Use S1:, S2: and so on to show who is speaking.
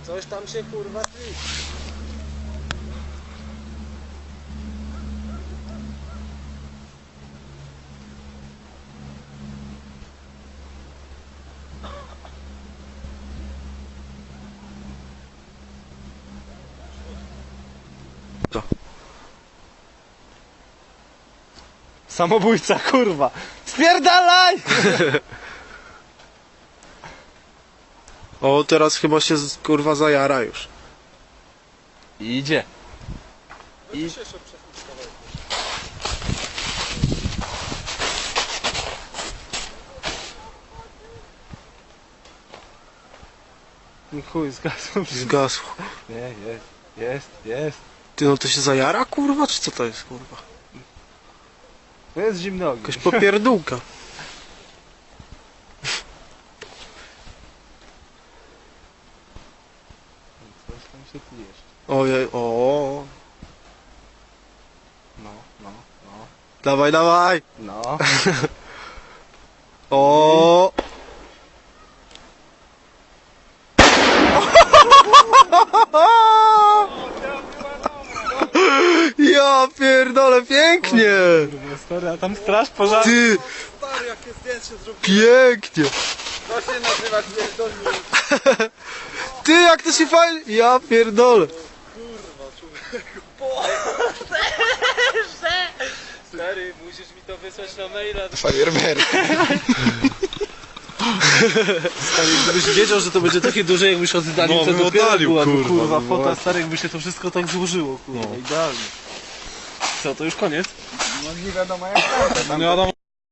S1: Coś tam się kurwa tli.
S2: To.
S1: Samobójca, kurwa! Spierdalaj!
S2: O, teraz chyba się kurwa zajara już.
S1: Idzie. I chuj, zgasł.
S2: Zgasł.
S1: Nie, jest.
S2: Ty, no to się zajara kurwa, czy co to jest kurwa?
S1: To jest zimny ogień.
S2: Jakaś popierdółka.
S1: Coś tam się tli jeszcze.
S2: Ojej, o.
S1: No.
S2: Dawaj, dawaj.
S1: No.
S2: O. Ja pierdolę, pięknie.
S1: Kurwa, stary, a tam straż pożarna.
S2: Ty,
S1: Stary, jakie zdjęcie zrobił.
S2: pięknie.
S1: To się nazywa pierdolnik.
S2: Ty, jak to się fajnie... Ja pierdolę.
S1: Stary, musisz mi to wysłać na maila.
S2: Fajerwerk.
S1: Stary, gdybyś wiedział, że to będzie takie duże, jakbyś oddalił,
S2: No,
S1: to
S2: bym
S1: dopiero
S2: oddalił,
S1: byłaby,
S2: kurwa,
S1: kurwa,
S2: no
S1: fota,
S2: właśnie.
S1: stary, jakby się to wszystko tak złożyło, kurwa, idealnie. Co, to już koniec?
S3: No nie wiadomo jak tam.
S1: No nie wiadomo.